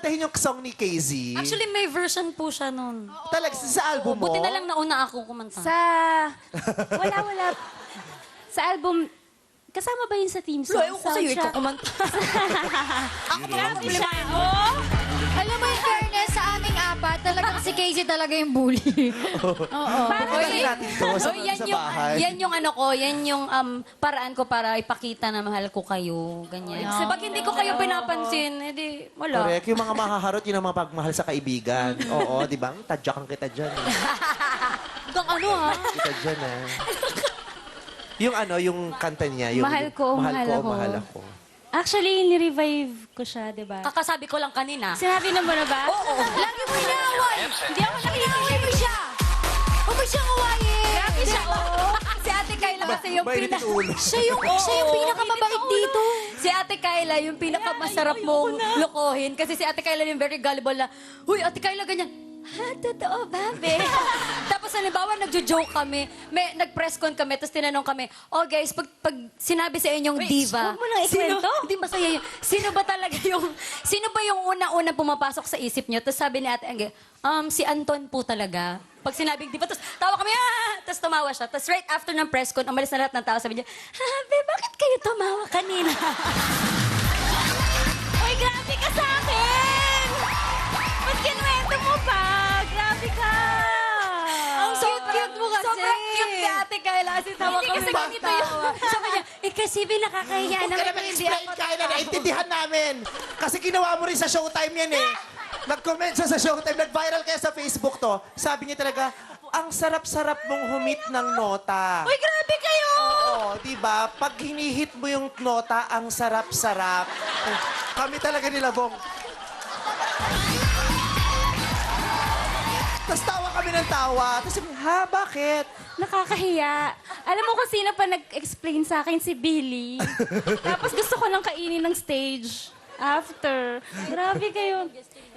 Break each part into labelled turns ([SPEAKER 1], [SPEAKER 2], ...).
[SPEAKER 1] kakantahin yung song ni KZ?
[SPEAKER 2] Actually, may version po siya nun.
[SPEAKER 1] Talaga, sa album mo?
[SPEAKER 2] Buti na lang nauna ako kumanta.
[SPEAKER 3] Wala. Sa album, kasama ba yun sa team song?
[SPEAKER 2] Ewan ko sa'yo, ikaw kumanta.
[SPEAKER 3] Ako ba siya? Alam mo, in fairness, sa aming apat, talagang si Casey talaga yung bully. Oo.
[SPEAKER 1] Pagkakalin natin to sa,
[SPEAKER 2] yan
[SPEAKER 1] sa
[SPEAKER 2] yung,
[SPEAKER 1] bahay.
[SPEAKER 2] yan yung ano ko, yan yung paraan ko para ipakita na mahal ko kayo. Ganyan. Kasi pag hindi ko kayo pinapansin, edi wala.
[SPEAKER 1] Correct. Yung mga mahaharot, yun ang mga pagmahal sa kaibigan. Oo, di ba? Tadyakan kita dyan.
[SPEAKER 2] Hanggang ano ha?
[SPEAKER 1] Kita dyan, Yung ano, yung kanta niya. Yung,
[SPEAKER 3] Mahal ko, mahal ako.
[SPEAKER 1] mahal ako.
[SPEAKER 3] Actually, ni-revive ko siya, di ba?
[SPEAKER 2] Kakasabi ko lang kanina.
[SPEAKER 3] Sinabi na mo na ba?
[SPEAKER 2] Oo.
[SPEAKER 3] Lagi mo inaaway! Hindi ako nakikinig mo siya! Huwag mo siyang awayin! Grabe siya, oo!
[SPEAKER 2] Si Ate Kayla kasi yung
[SPEAKER 1] Mainit yung ulo.
[SPEAKER 3] Siya yung pinakamabait dito.
[SPEAKER 2] Si Ate Kayla yung pinakamasarap mong lokohin. Kasi si Ate Kayla yung very gullible na, "Huy, Ate Kayla, ganyan." Ha, totoo ba, be? Tapos halimbawa, nagjo-joke kami. Nag-press con kami, tapos tinanong kami, "Oh guys, pag sinabi sa inyong diva,
[SPEAKER 3] huwag mo nang ikwento.
[SPEAKER 2] Hindi masaya yun. Sino ba talaga sino ba yung una-una pumapasok sa isip niyo?" Tapos sabi ni Ate Angge, si Anton po talaga. Pag sinabing diva, tapos tawa kami, tapos tumawa siya. Tapos right after ng press con, umalis na lahat ng tao, sabi niya, "Be, bakit kayo tumawa kanina?"
[SPEAKER 3] Uy, grabe ka sa akin! Ba't kinuwento mo pa? Grabe ka!
[SPEAKER 2] Ang cute mo kasi. Sobrang cute ni Ate Kayla. Kasi tawa
[SPEAKER 3] Hindi
[SPEAKER 2] kami
[SPEAKER 3] kasi ganito
[SPEAKER 2] magtawa.
[SPEAKER 3] yun.
[SPEAKER 2] Sabi niya, kasi nakakahiya
[SPEAKER 1] Huwag ka
[SPEAKER 2] naman
[SPEAKER 1] naman
[SPEAKER 2] hindi
[SPEAKER 1] explain,
[SPEAKER 2] ako.
[SPEAKER 1] Kayla. Naintindihan namin. Kasi ginawa mo rin sa Showtime yan Nag-comment siya sa Showtime. Nag-viral kaya sa Facebook to. Sabi niya talaga, ang sarap-sarap mong humit ng nota.
[SPEAKER 3] Uy, grabe kayo!
[SPEAKER 1] Oo, di ba? Pag hinihit mo yung nota, ang sarap-sarap. Kami talaga nilabong. Tapos tawa kami ng tawa. Tapos sabi, ha, bakit?
[SPEAKER 3] Nakakahiya. Alam mo kung sino pa nag-explain sa akin? Si Billy. Tapos gusto ko lang kainin ng stage. After. Grabe kayo.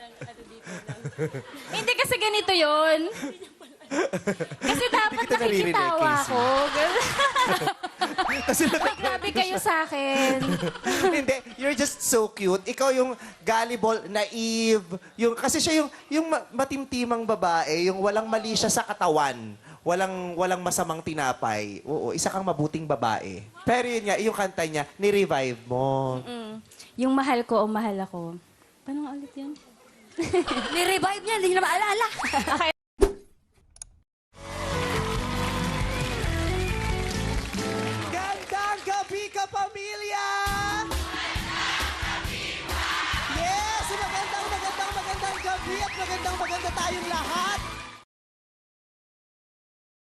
[SPEAKER 3] Hindi kasi ganito yon. Kasi dapat
[SPEAKER 1] kita naririnig,
[SPEAKER 3] nakikitawa
[SPEAKER 1] Casey.
[SPEAKER 3] ko.
[SPEAKER 1] Kasi
[SPEAKER 3] Uy, grabe kayo sa akin.
[SPEAKER 1] Hindi, you're just so cute. Ikaw yung gullible, naive, kasi siya yung matimtimang babae, yung walang mali siya sa katawan. Walang masamang tinapay. Oo, isa kang mabuting babae. Pero yun nga, yung kanta niya, ni-revive mo.
[SPEAKER 3] Yung mahal ko o mahal ako. Paano nga ulit yun?
[SPEAKER 2] Ni-revive niya, hindi niya na maalala.
[SPEAKER 3] Okay.
[SPEAKER 1] Gandang gabi ka, pamilya! Yes! Magandang gabi at maganda tayong lahat!